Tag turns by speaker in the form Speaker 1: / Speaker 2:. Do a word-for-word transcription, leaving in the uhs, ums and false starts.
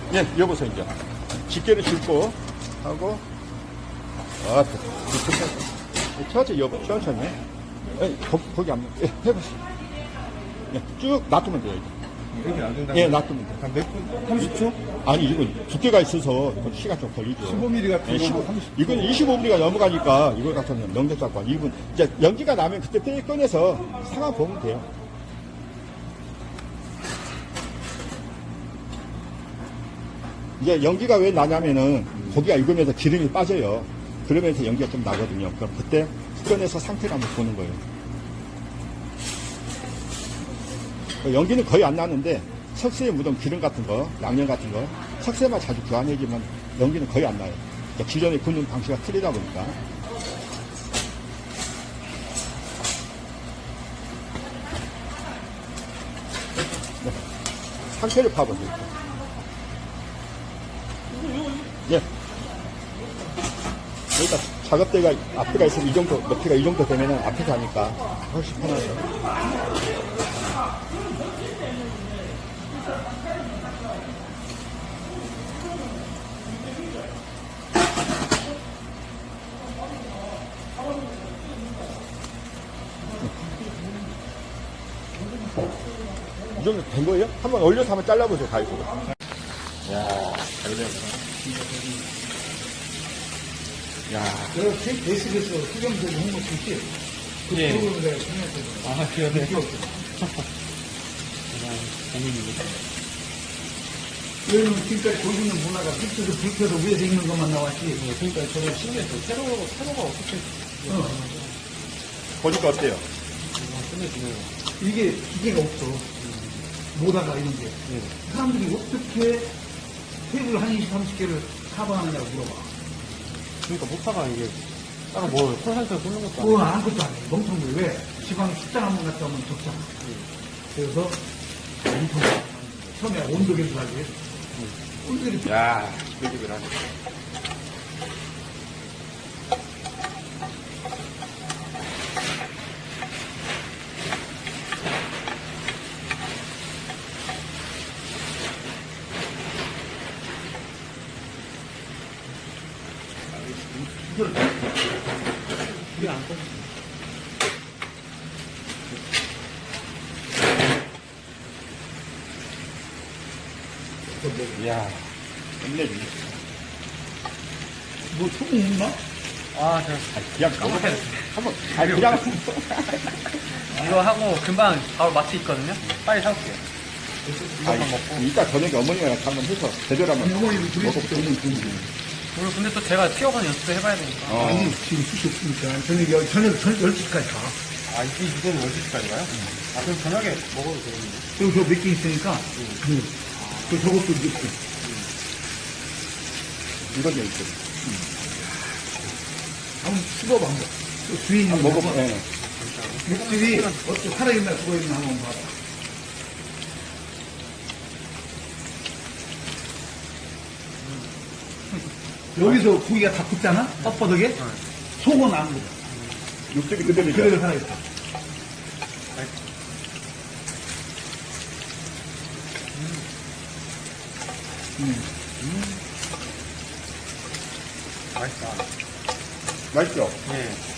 Speaker 1: 예, 여보세요, 이제. 집게를 짚고, 하고, 아, 천천히, 여보, 천천히. 예, 거, 거기 안, 예, 해보세요. 예, 쭉 놔두면 돼요, 이제.
Speaker 2: 이렇게 놔둔다.
Speaker 1: 예, 놔두면 돼요.
Speaker 2: 한 몇 분? 삼십 초?
Speaker 1: 아니, 이건 두께가 있어서, 이건 시간 좀 걸리죠.
Speaker 2: 십오 밀리미터 같은
Speaker 1: 예,
Speaker 2: 거
Speaker 1: 십오,
Speaker 2: 삼십 초.
Speaker 1: 이건 이십오 밀리미터가 넘어가니까, 이걸 갖다는 명절 잡고, 이 분, 이제 연기가 나면 그때 떼 꺼내서 상황 보면 돼요. 이제 연기가 왜 나냐면은 고기가 익으면서 기름이 빠져요. 그러면서 연기가 좀 나거든요. 그럼 그때 꺼내서 상태를 한번 보는 거예요. 연기는 거의 안 나는데 석쇠에 묻은 기름 같은 거, 양념 같은 거, 석쇠만 자주 교환해주면 연기는 거의 안 나요. 그러니까 기존에 굽는 방식이 틀리다 보니까. 네. 상태를 파보세요. 예. 그러니까 작업대가 앞에가 있으면 이 정도, 높이가 이 정도 되면은 앞에서 하니까 훨씬 편하죠. 이 정도 된 거예요? 한번 올려서 한번 잘라보세요, 가위로. 야, 잘 되네. 야,
Speaker 3: 내가 베이스에서 수경되고 홍보 줄지 그
Speaker 4: 예.
Speaker 3: 프로그램을 내가 참여했거든.
Speaker 4: 아, 그러네.
Speaker 3: 왜냐면 지금까지 거기 있는 문화가 밑에서 불켜서 위에서 있는 것만 나왔지.
Speaker 4: 그러니까 저는 신기했어요. 새로, 새로가 어떻게
Speaker 3: 어.
Speaker 1: 보니까 어때요?
Speaker 4: 끝내주네요.
Speaker 3: 이게 기계가 없어. 모다가 이런 게. 사람들이 어떻게 테이블 한 이십, 삼십 개를 커버하느냐고 물어봐.
Speaker 4: 그러니까 모타가 이게 딱 뭐, 콜센터 쏘는 것도
Speaker 3: 그건
Speaker 4: 아니고.
Speaker 3: 아무것도 안 해. 멍텅이 왜? 지방 식당 한 번 갔다 오면 적잖아. 그래서 멍텅이. 처음에 온도 계산하기 위해서. 온도 계산.
Speaker 1: 야, 지글지글하네.
Speaker 4: 이게 안 꺼져.
Speaker 1: 이야, 끝내주네.
Speaker 3: 뭐 소금 있나?
Speaker 4: 아, 제가
Speaker 1: 그냥 가보세요. 한번, 아니, 그냥.
Speaker 4: 이거 하고 금방 바로 마트 있거든요? 빨리 사올게요.
Speaker 1: 아니, 이따 저녁에 어머니랑 한번 해서 제대로 한번
Speaker 3: 어머니도 둘이
Speaker 1: 먹어보세요.
Speaker 4: 오늘 근데 또 제가 튀어가는 연습도 해봐야 되니까.
Speaker 1: 어.
Speaker 3: 아니, 지금 숱이 없으니까. 저녁, 열- 저녁, 저녁 열 시까지 가.
Speaker 4: 아, 이게 이거는 열 시까지 가요? 아, 그럼 저녁에 먹어도 되겠네요.
Speaker 3: 그리고 저 몇 개 있으니까. 그, 그 저것도 넣고.
Speaker 1: 이건 좀 있죠.
Speaker 3: 한번 씹어봐, 한번. 또 주인이
Speaker 1: 한번 먹어봐. 예.
Speaker 3: 육즙이 어떻게 살아있나 죽어있나 한번 봐봐. 여기서 고기가 다 굳잖아? 뻣뻣하게? 속은 안 굳어.
Speaker 1: 육즙이 그대로죠.
Speaker 3: 그대로 살아있어.
Speaker 4: 맛있다.
Speaker 1: 맛있죠?
Speaker 4: 예.